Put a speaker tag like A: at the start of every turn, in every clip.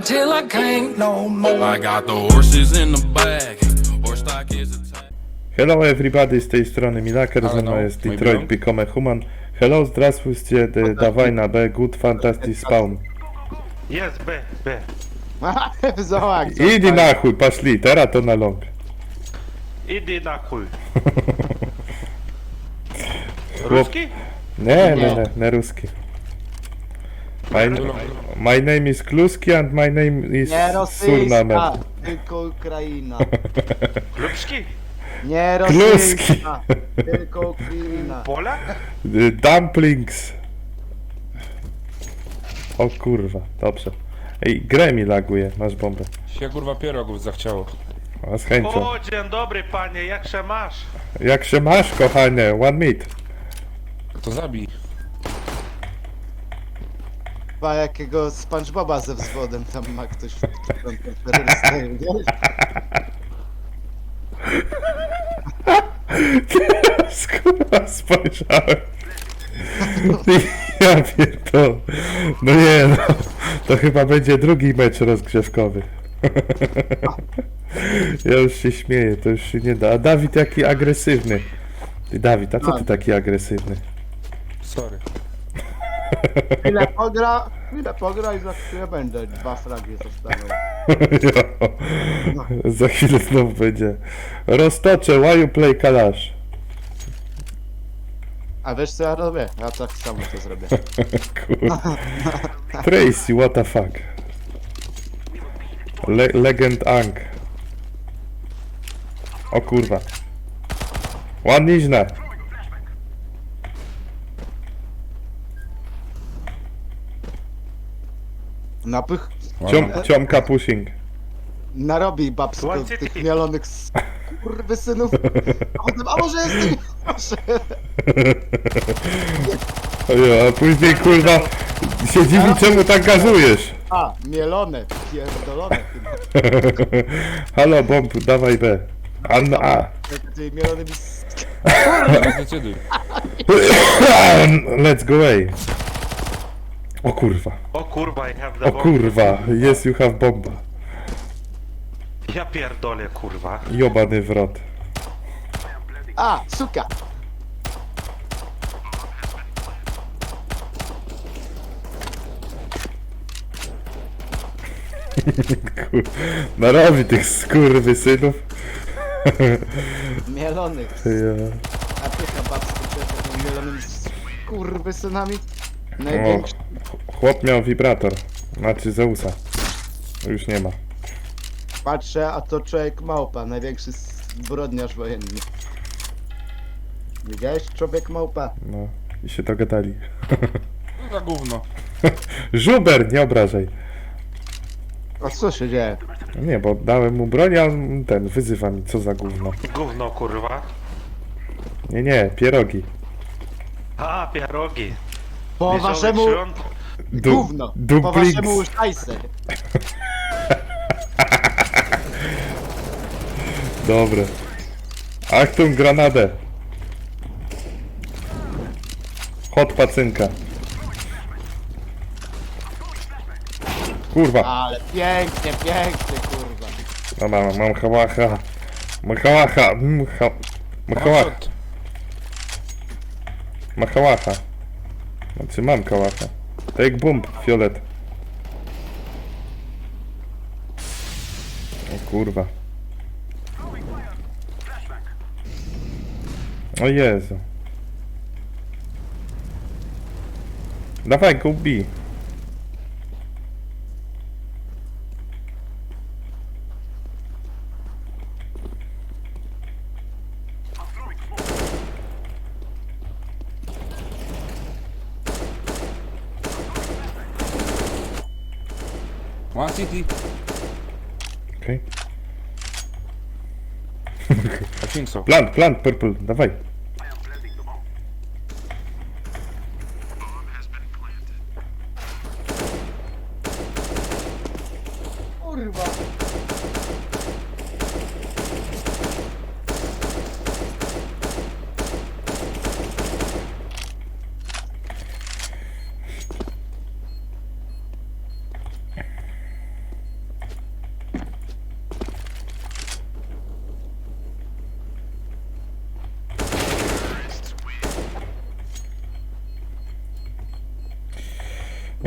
A: till I can't no more.
B: I got the horses in the back. Horse stock is a tag.
C: Hello everybody, z tej strony Milaker, ze mną
D: Hello,
C: jest
D: mój
C: Detroit
D: bro.
C: Become a Human. Hello, zdравствуйте, dawaj na B, good fantastic spawn.
E: Jest, B.
F: Zobacz,
C: Idź na chuj, poszli, teraz to na long.
E: Idę na chuj. Ruski?
C: Nie ruski. My name is Kluski and my name is
F: nie
C: Surnamer.
F: rosyjska, tylko Ukraina.
E: Lubski?
F: Nie
C: Kluski.
F: rosyjska, tylko Ukraina.
E: Polak?
C: Dumplings. O kurwa, dobrze. Ej, grę mi laguje, masz bombę.
D: Się kurwa pierogów zachciało.
C: A z chęcią.
E: O, dzień dobry panie, jak się masz?
C: Jak się masz, kochanie? One meat.
D: To zabij.
F: Chyba jakiego SpongeBoba ze wzwodem tam ma ktoś w terrorystę, wiesz?
C: Kurwa, spojrzałem. Ja pierdolę. No nie no, to chyba będzie drugi mecz rozgrzewkowy. Ja już się śmieję, to już się nie da. A Dawid jaki agresywny. Ty Dawid, a co ty taki agresywny?
D: Sorry.
F: Chwilę pogra i za chwilę będę dwa fragi zostawiał.
C: Za chwilę znowu będzie. Roztoczę, why you play Kalash?
F: A wiesz co ja robię? Ja tak samo to zrobię.
C: Kurwa. Tracy, what the fuck? Legend Ang. O kurwa. Ładniźna.
F: Napych
C: Ciomka pushing.
F: narobi babsko
E: One city.
F: tych mielonych synów. A może jest proszę.
C: A później kurwa się dziwi czemu tak gazujesz.
F: A, mielone, pierdolone.
C: Halo bomb, dawaj B. A.
F: Tymi mielonymi
D: Zdecyduj.
C: Let's go away. O kurwa.
E: O kurwa, I have the
C: O
E: bomb.
C: kurwa. Yes you have bomba.
E: Ja pierdolę kurwa.
C: Jobany wrot.
F: A, suka!
C: Narobi tych skurwysynów.
F: Mielonych.
C: Ja.
F: A pycha babsko tymi mielonymi skurwysynami.
C: O,
F: Największy.
C: chłop miał wibrator. Znaczy Zeusa. Już nie ma.
F: Patrzę, a to człowiek małpa, największy zbrodniarz wojenny. Widziałeś? Człowiek małpa.
C: No. I się dogadali.
D: No za gówno.
C: Żuber, nie obrażaj.
F: A co się dzieje?
C: Nie, bo dałem mu broń, a on ten wyzywa mi, co za gówno.
E: Gówno kurwa.
C: Nie, pierogi.
E: A, pierogi.
F: Po
E: Wesołych
F: waszemu
E: świąt.
F: gówno. Po
C: Dumplings.
F: waszemu szajse.
C: Dobre. Achtung, granadę. Hot pacynka. Kurwa.
F: Ale pięknie, kurwa.
C: No mam hałacha. Mam hałacha. Machałacha.
D: Shot.
C: Machałacha. Znaczy mam kałacha. Take bomb, fiolet. O kurwa. O Jezu. Dawaj, go B.
D: One city.
C: Okej.
D: I think so.
C: Plant, purple, dawaj.
F: Kurwa.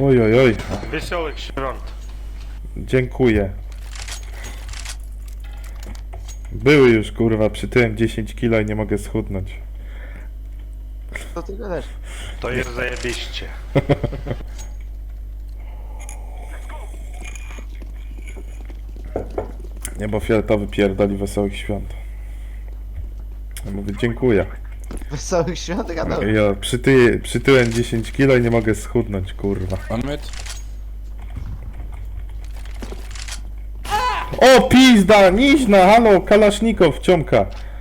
C: Oj, oj, oj.
E: Wesołych świąt.
C: Dziękuję. Były już, kurwa, przytyłem 10 kilo i nie mogę schudnąć.
F: Co ty gadasz?
E: To jest zajebiście.
C: Nie, bo fioletowy pierdoli wesołych świąt. Ja mówię, dziękuję.
F: Wesołych świąt gadał.
C: Ja przytyłem 10 kilo i nie mogę schudnąć, kurwa.
D: One mid.
C: O, pizda, niźna, halo, kalasznikow, ciomka.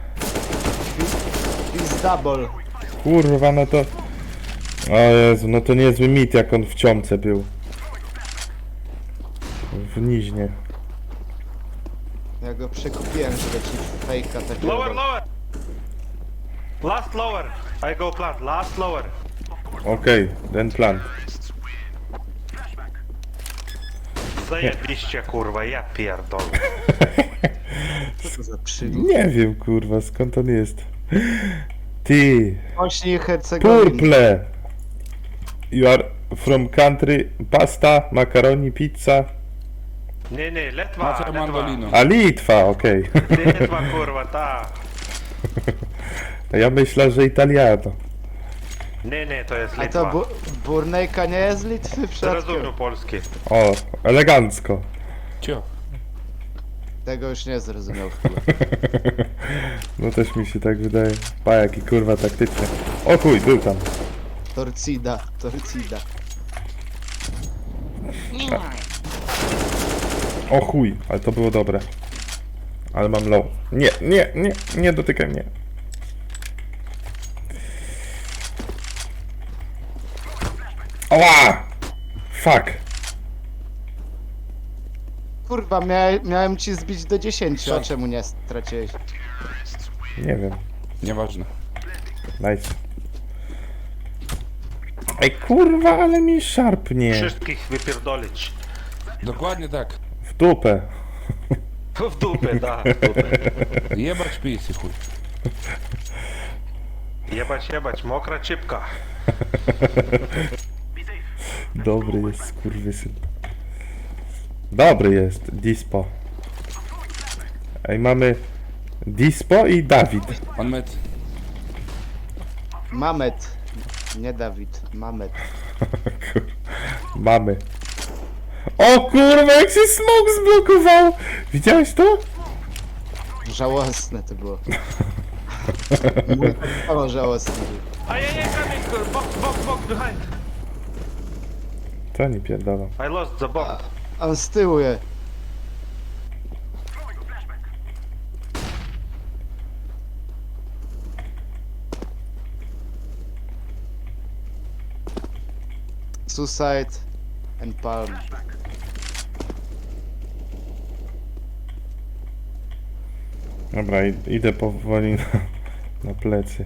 F: Is double.
C: Kurwa, no to... O Jezu, no to niezły mit, jak on w ciomce był. W niźnie.
F: Ja go przekupiłem, żeby ci fejka takiego...
E: Lower, lower. Last lower. I go plant. Last lower.
C: Okej, ten plan.
E: Zajebiście kurwa, ja pierdolę.
F: Co to za przydół?
C: Nie wiem, kurwa, skąd on jest. Ty,
F: Bośni i Hercegowiny.
C: purple. You are from country, pasta, macaroni, pizza.
E: Nie, Letwa,
D: Macie
E: Letwa.
D: mandolino.
C: A Litwa, okej.
E: Litwa kurwa, ta.
C: A ja myślę, że Italiano.
E: Nie, to jest
F: A
E: Litwa.
F: to Burnejka nie jest z Litwy przypadkiem?
E: Zrozumiem polski.
C: O, elegancko.
D: Cio.
F: Tego już nie zrozumiał chyba.
C: No też mi się tak wydaje. Pa, jaki kurwa taktyczny. O chuj, był tam.
F: Torcida.
C: O chuj, ale to było dobre. Ale mam low. Nie dotykaj mnie. Ała! Fuck.
F: Kurwa, miałem ci zbić do 10, a czemu nie straciłeś?
C: Nie wiem.
D: Nieważne.
C: Nice. Ej kurwa, ale mi szarpnie.
E: Wszystkich wypierdolić.
D: Dokładnie tak.
C: W dupę.
E: W dupę, da, w dupę.
D: Jebać pisy, chuj.
E: Jebać, mokra cipka.
C: Dobry jest, skurwysyn. Dobry jest, Dispo. Ej, mamy Dispo i Dawid.
D: One mid.
F: Mamet. Nie Dawid, Mamet.
C: Mamy. O kurwa, jak się smok zblokował! Widziałeś to?
F: Żałosne to było. Mój tak samo żałosny był.
E: Ajajaj, coming, box, behind.
C: To nie pierdolą.
E: I lost the bomb.
F: On z tyłu je. Suicide and Palm.
C: Dobra, idę powoli na plecy.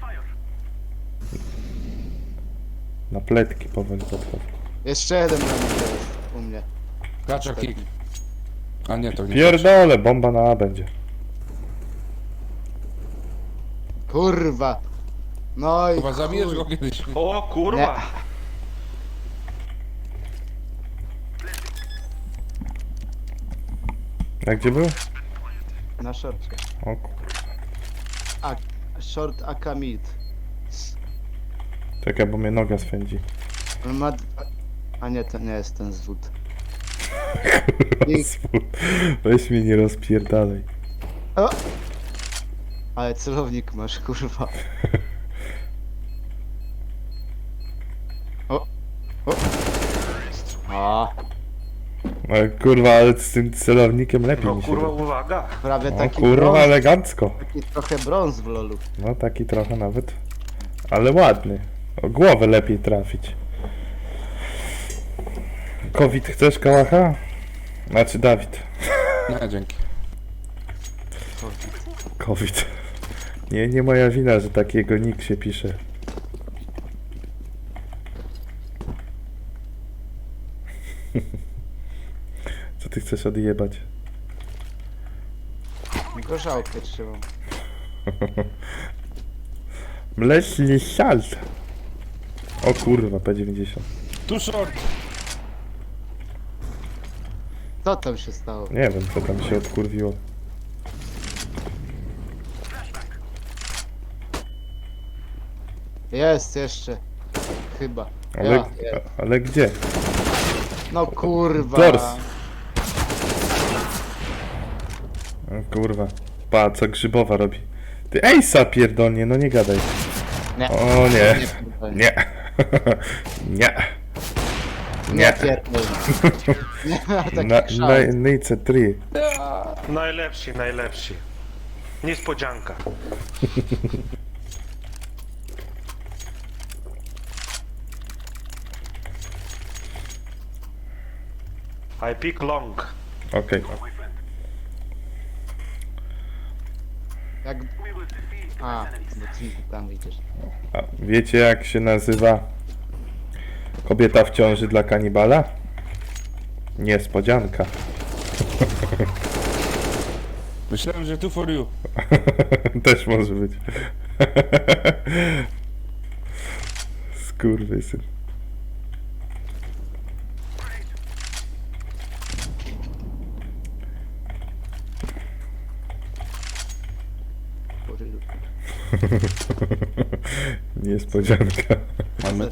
C: Na pletki powoli podchodzę.
F: Jeszcze jeden na mnie jest u mnie.
D: Klacza kick. A nie, to nie.
C: Pierdolę, bomba na A będzie.
F: Kurwa. No i
D: Chyba zabijesz go kiedyś.
E: O kurwa.
C: A gdzie był?
F: na shortcie.
C: O kurwa.
F: Short Akamid.
C: Czekaj, bo mnie noga swędzi.
F: On ma... A nie, to nie jest ten zwód.
C: Weź mnie nie rozpierdalaj.
F: O! Ale celownik masz, kurwa. O! O! A,
C: Ale kurwa, ale z tym celownikiem lepiej
E: No
C: mi się
E: kurwa,
C: robi.
E: uwaga.
F: prawie
C: O
F: taki
C: kurwa,
F: brąz,
C: elegancko.
F: taki trochę brąz w lolu.
C: No taki trochę nawet. Ale ładny. O głowę lepiej trafić. COVID chcesz, kałacha? Znaczy Dawid.
D: Nie, dzięki.
C: COVID. Nie moja wina, że takiego nick się pisze. Co ty chcesz odjebać?
F: Gorzałkę trzymam.
C: Mleczny salt. O kurwa, P90.
D: Tu short.
F: Co tam się stało?
C: Nie wiem, co tam się odkurwiło.
F: Jest jeszcze. Chyba.
C: Ale,
F: Ja, jest.
C: ale gdzie?
F: No kurwa.
C: Dors. O kurwa. Pa, co Grzybowa robi? Ty Ejsa pierdolnie, no nie gadaj.
F: Nie.
C: O nie.
F: pierdolę.
C: Nie. Nie.
F: Nie pierdolę. Nie ma takich szans.
C: Nejce 3.
E: Najlepsi, najlepsi. Niespodzianka. I pick long.
C: Okej.
F: Jak... A, bo ty tam idziesz.
C: A wiecie jak się nazywa kobieta w ciąży dla kanibala? Niespodzianka.
D: Myślałem, że tu for you.
C: Też może być. Skurwysyn. Niespodzianka.
D: Mamy.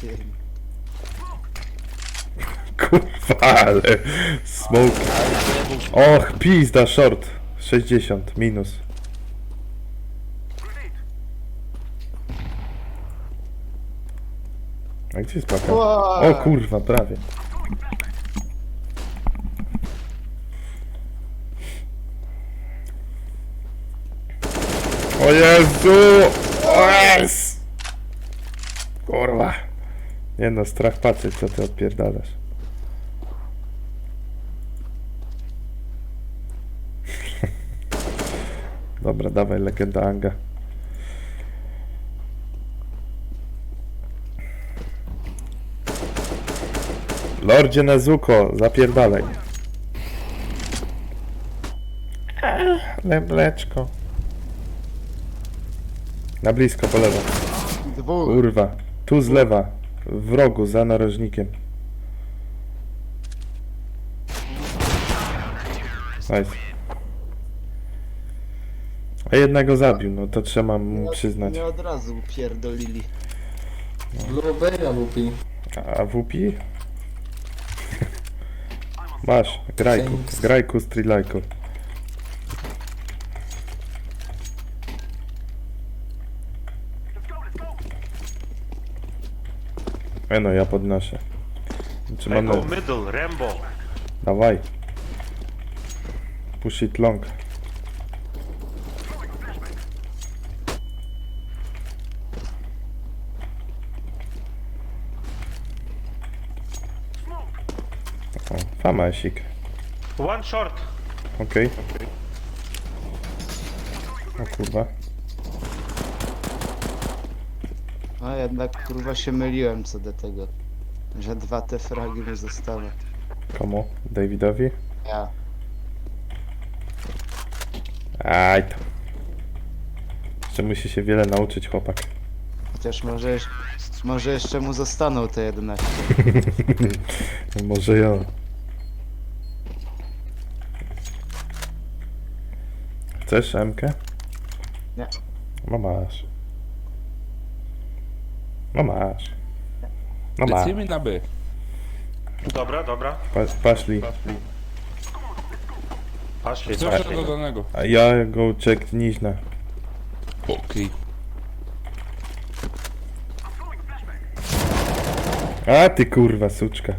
C: Kurwa, ale smoke. Och, pizda, short. 60, minus. A gdzie jest paka? O kurwa, prawie. O Jezu! O Jezu! Kurwa. Nie no, strach patrzeć, co ty odpierdalasz. Dobra, dawaj legenda Anga. Lordzie Nezuko, zapierdalaj. Ale mleczko. Na blisko, po lewo.
F: Dwóch.
C: Kurwa. Tu z lewa. W rogu, za narożnikiem. Nice. A jednego zabił, no to trzeba mu przyznać.
F: Nie od razu upierdolili.
D: Blueberry lubi.
C: A WP? Masz, grajku, grajku, strzelajku. No, ja podnoszę. Czy
E: I
C: mamy...
E: go middle, Rambo.
C: Dawaj. Push it long. O, famasik.
E: One short.
C: Okej. O kurwa.
F: A jednak kurwa się myliłem co do tego. Że dwa te fragi mi zostały.
C: Komu? Davidowi?
F: Ja.
C: Aj to. Jeszcze musi się wiele nauczyć chłopak.
F: Chociaż może jeszcze mu zostaną te 11.
C: Może ja. Chcesz MK?
F: Nie.
C: No masz. No masz. No masz.
D: Lecimy na B.
E: Dobra, dobra.
C: Paszli.
E: Poszli,
D: Co
E: poszli.
D: do danego?
C: A ja go check niźna.
D: Okej.
C: A ty kurwa suczka.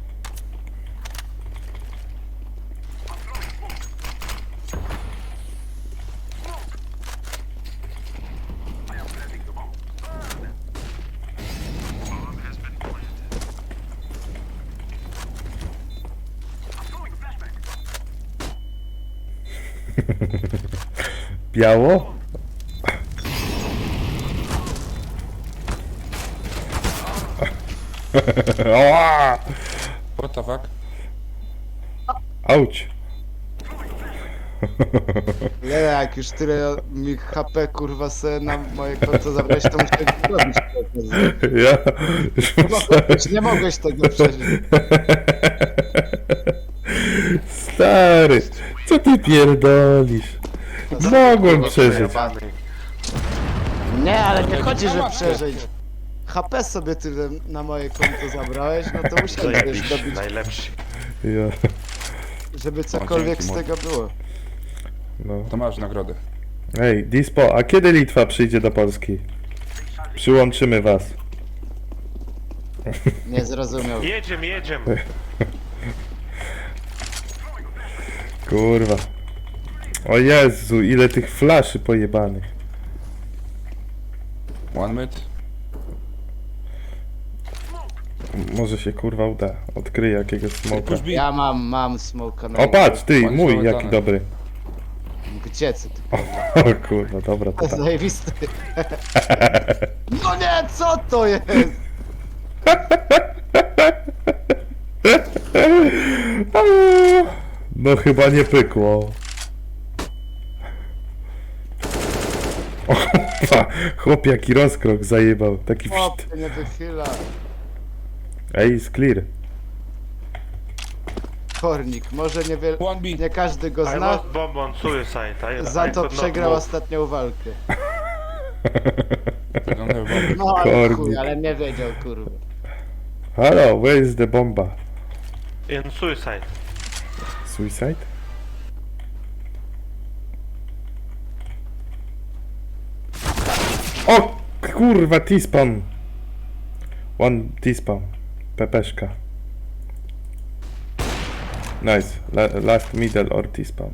C: Biało? Oła!
D: What the fuck?
C: Auć!
F: Nie, jak już tyle mi HP kurwa se na moje konto zabrać, to muszę to zrobić.
C: Ja już myślałem,
F: Nie mogłeś tego przeżyć.
C: Stary, co ty pierdolisz? Mogłem przeżyć.
F: Nie, ale nie chodzi, że przeżyć. HP sobie tyle na moje konto zabrałeś, no to musiałeś
E: Zajebiście,
F: dobić,
E: najlepszy.
C: Ja,
F: żeby cokolwiek
D: dzięki,
F: z tego było.
C: no.
D: To masz nagrodę.
C: Ej, Dispo, a kiedy Litwa przyjdzie do Polski? Przyłączymy was.
F: Nie zrozumiał.
E: Jedziemy.
C: Kurwa. O Jezu, ile tych flaszy pojebanych.
D: One mid.
C: Może się kurwa uda. Odkryję jakiegoś smoka.
D: Push B.
F: Ja mam smoka na
C: O patrz, ty,
D: Bądź
C: mój,
D: załatany.
C: jaki dobry.
F: Gdzie ty?
C: O kurwa, dobra, to tak.
F: Zajebisty. No nie, co to jest?
C: No chyba nie pykło. O kurwa, chłop jaki rozkrok zajebał. Taki
F: Chłop
C: wszt.
F: się nie wychyla.
C: Ej, jest clear.
F: Kornik, może
D: One B.
F: nie każdy go
E: I
F: zna,
E: lost bomb on suicide.
F: za
E: I
F: to
E: could not
F: przegrał
E: move.
F: ostatnią walkę.
D: I don't have bomb.
F: No ale
C: Kornik.
F: chuj, ale nie wiedział, kurwa.
C: Halo, where is the bomba?
E: In suicide.
C: Suicide? O kurwa, T-spawn. One T-spawn. Pepeszka. Nice. Last middle or T-spawn.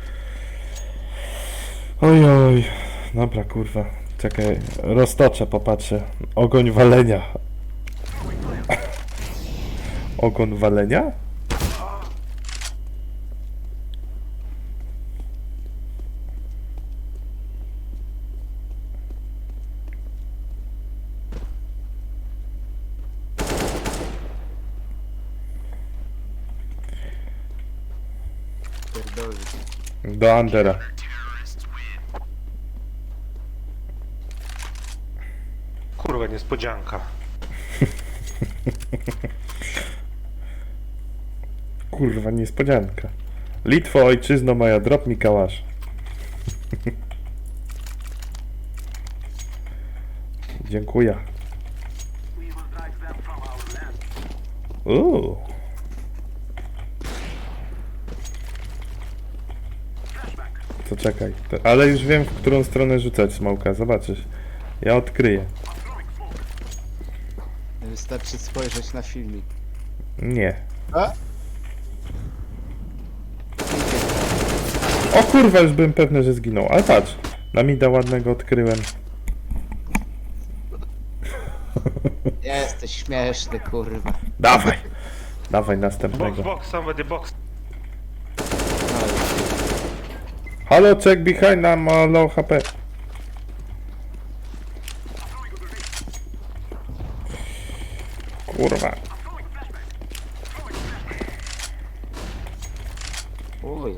C: Ojoj. Dobra, kurwa. Czekaj, roztoczę, popatrzę. Ogoń walenia. Ogon walenia?
F: Pierdolę.
C: Do Andera.
E: Kurwa, niespodzianka.
C: Kurwa, niespodzianka. Litwo, ojczyzno moja, drop mi kałasz. Dziękuję. To czekaj. Ale już wiem, w którą stronę rzucać smoka. Zobaczysz. Ja odkryję.
F: Wystarczy spojrzeć na filmik.
C: Nie.
F: A?
C: O kurwa, już byłem pewny, że zginął. Ale patrz. Na mida ładnego odkryłem.
F: Jesteś śmieszny, kurwa.
C: Dawaj. Dawaj
E: Box,
C: następnego.
E: box, somebody box.
C: Halo, check behind, nam low HP. Kurwa.
F: Uj.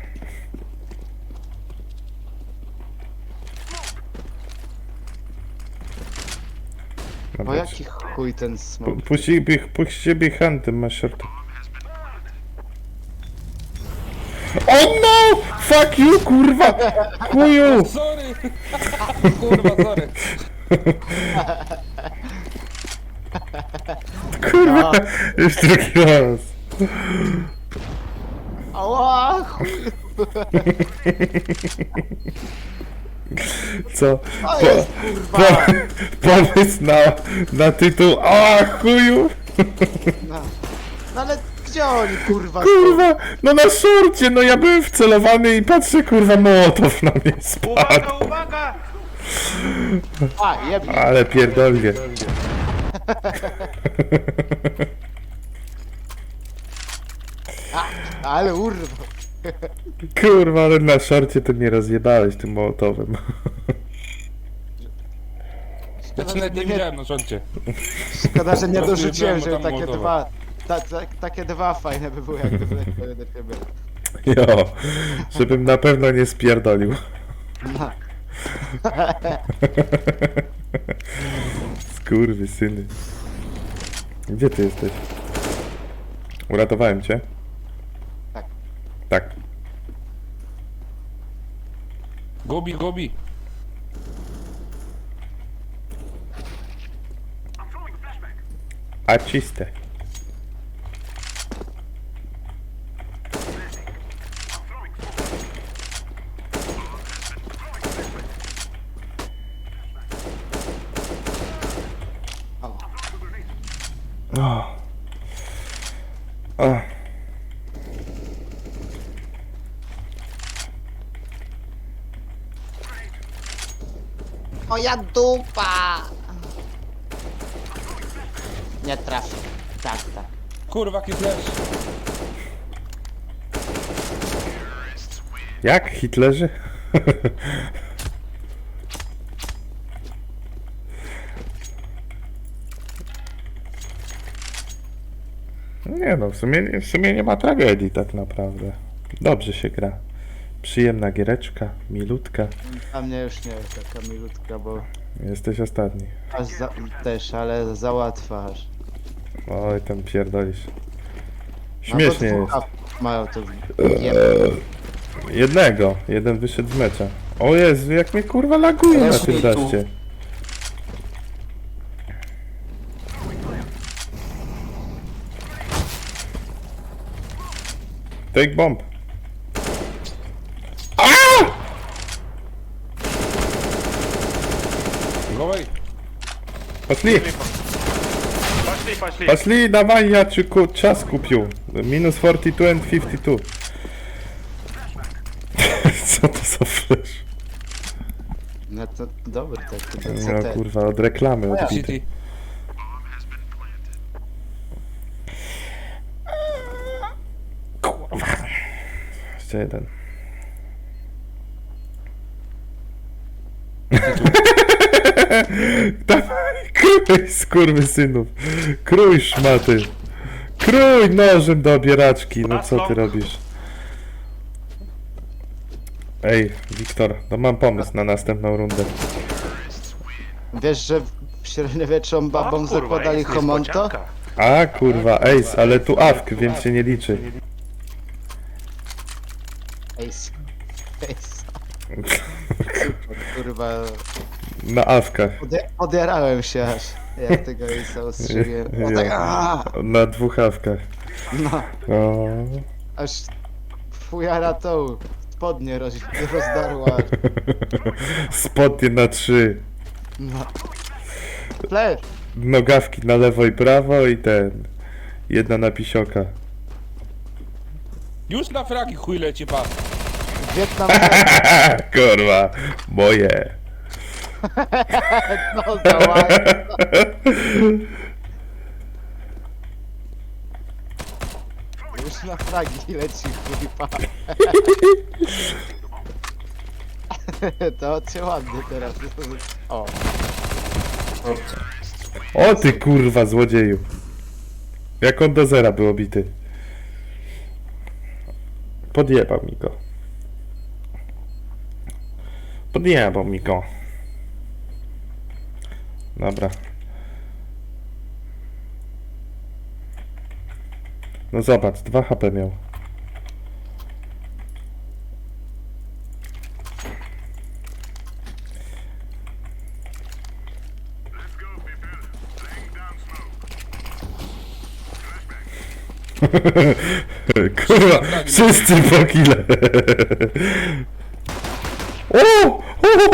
F: O
C: Dobra,
F: jaki chuj ten smok.
C: puść behind, tym masz short. O no! Fuck you, kurwa! Chuju!
D: Sorry! Kurwa, sorry.
C: Kurwa! Już drugi raz.
F: Ała, chuj.
C: Co?
F: To jest, kurwa.
C: Pomysł na tytuł. A chuju!
F: No ale gdzie oni, kurwa, są?
C: Kurwa! No na szorcie! No ja byłem wcelowany i patrzę, kurwa, Mołotow na mnie spadł.
E: Uwaga, uwaga!
F: A, jebnie.
C: Ale pierdolnie.
F: Ale urwa.
C: Kurwa, ale na szorcie to mnie rozjebałeś tym Mołotowem.
D: Ja cię nawet nie widziałem na rządzie.
F: Szkoda, że nie
D: Rozjeżdżałem,
F: dorzuciłem,
D: bo
F: że
D: tam
F: takie
D: Mołotowa.
F: dwa... takie dwa fajne by były, jakby wleciały do ciebie.
C: Jo, żebym na pewno nie spierdolił.
F: No.
C: Skurwysyny. Gdzie ty jesteś? Uratowałem cię?
F: Tak.
C: Tak.
D: Gobi, gobi.
C: A czyste. O. O.
F: Moja dupa! Nie trafię. Tak, tak.
D: Kurwa, jaki flash.
C: Jak? Hitlerzy? Nie no, w sumie nie ma tragedii tak naprawdę. Dobrze się gra. Przyjemna giereczka, milutka.
F: A mnie już nie jest taka milutka, bo
C: Jesteś ostatni.
F: aż też, ale za łatwa aż.
C: Oj, tam pierdolisz.
F: No bo
C: Śmiesznie jest.
F: dwóch mają to
C: Jednego. Jeden wyszedł z mecza. O Jezu, jak mnie kurwa laguje na tym daście. Take bomb.
D: Go away.
C: Poszli,
E: Пошли.
C: poszli, dawaj, ja ci czas kupił. Minus 42 and 52. Co to za flash?
F: No to dobry taki, to
C: No
F: CT.
C: kurwa, od reklamy odbity.
D: City.
C: Jeszcze jeden. Dawaj, krój, skurwysynów. Krój, szmaty. Krój nożem do obieraczki. No co ty robisz? Ej, Wiktor, no mam pomysł na następną rundę.
F: Wiesz, że w średniowieczą babom zakładali homonto?
C: A kurwa, ace, ale tu awk, więc się nie liczy.
F: Ace. Ace. Kurwa,
C: Na awkach.
F: odjarałem się aż. Ja tego Ace'a ustrzeliłem. O tak,
C: Na dwóch awkach.
F: no,
C: O.
F: aż fujara tą spodnie rozdarła.
C: Spodnie na 3.
F: No. Flash!
C: Nogawki na lewo i prawo i ten. Jedna na pisioka.
D: Już na fragi chuj leci, pa.
F: Wietnam
C: Kurwa, moje.
F: no, dała. Już na fragi leci chuj. To cię ładnie teraz. O.
C: O ty kurwa złodzieju. Jak on do zera był obity. Podjebał mi go. Podjebał mi go. Dobra. No zobacz, 2 HP miał. Kurwa, wszyscy po kile. O!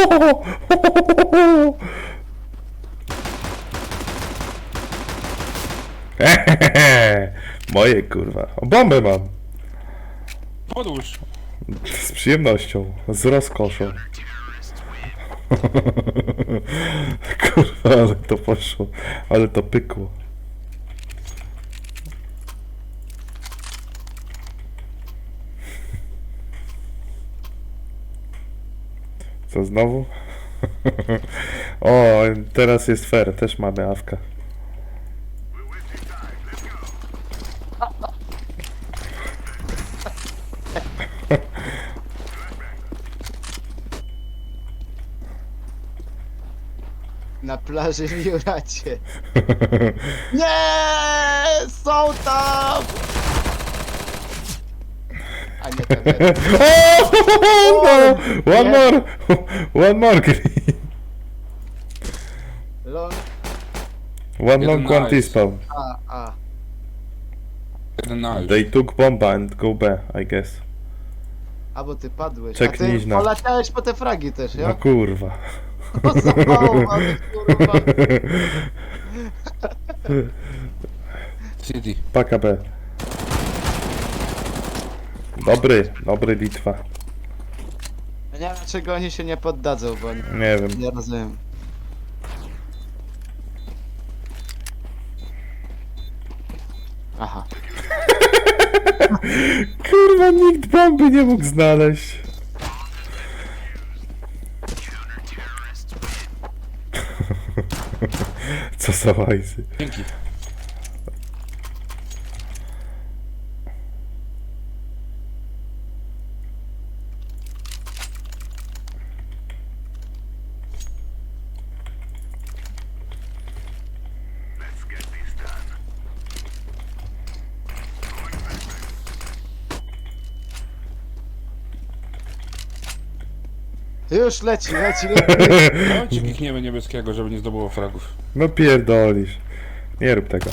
C: Moje kurwa. O, bombę mam.
D: Podłóż.
C: Z przyjemnością. Z rozkoszą. Kurwa, ale to poszło. Ale to pykło. Co znowu? O, teraz jest fair, też mamy awka.
F: Na plaży w Juracie. Nie! Są tam! A nie ten.
C: O, no! One more! One more green!
F: Long,
C: One long,
D: Jeden
C: one
D: nice.
C: T-spawn.
F: A.
D: Jeden na już.
C: They took bomba and go B, I guess.
F: A bo ty padłeś.
C: Czek
F: A ty
C: niźna.
F: poleciałeś po te fragi też,
C: No
F: ja?
C: kurwa.
F: No zabałowany, kurwa.
D: City.
C: Paka B. Dobry Litwa.
F: Ja nie wiem dlaczego oni się nie poddadzą, bo
C: Nie wiem.
F: nie rozumiem. Aha.
C: Kurwa, nikt bomby nie mógł znaleźć. Co za łajzy.
D: Dzięki.
F: Już leci.
D: Dajcie klikniemy niebieskiego, żeby nie zdobyło fragów.
C: No pierdolisz. Nie rób tego.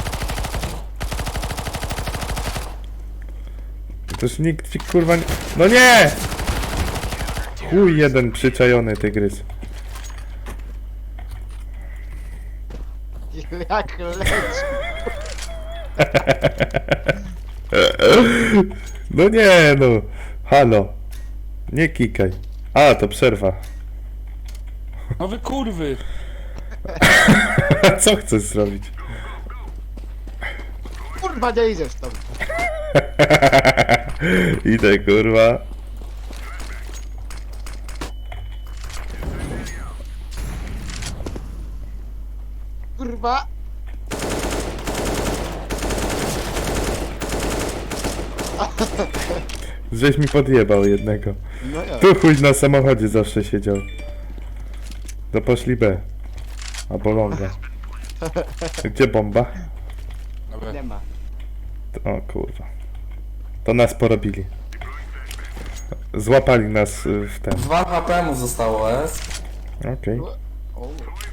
C: Też nikt ci kurwa nie... No nie! Chuj jeden przyczajony tygrys.
F: Jak leci.
C: No nie no. Halo. Nie kikaj. A, to przerwa.
D: No wy kurwy!
C: A co chcesz zrobić?
F: Kurwa, nie idziesz tam.
C: Idę kurwa.
F: Kurwa.
C: Żeś mi podjebał jednego.
F: No ja.
C: Tu chuj na samochodzie zawsze siedział. To poszli B. Albo longa. Gdzie bomba?
D: Dobra.
F: Nie ma.
C: O kurwa. To nas porobili. Złapali nas w ten.
A: 2 HP mu zostało, S.
C: Okej.
F: O.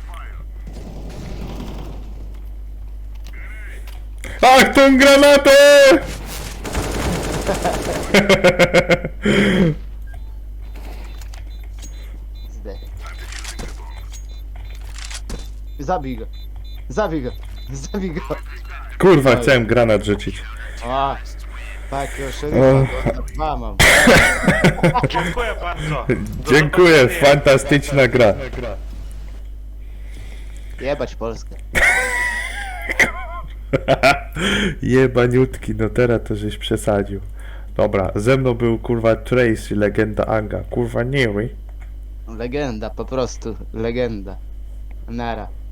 C: Ach, tą granatę!
F: Zdech. Zabij go. Zabij go. Zabij go.
C: Kurwa, chciałem granat rzucić.
F: O. Tak, już
C: O.
F: dwa mam.
E: Dziękuję bardzo.
C: Dziękuję, fantastyczna gra.
F: Jebać Polskę.
C: Jebaniutki, no teraz to żeś przesadził. Dobra, ze mną był kurwa Tracy, legenda Anga. Kurwa, nie wy.
F: Legenda, po prostu. Legenda. Nara.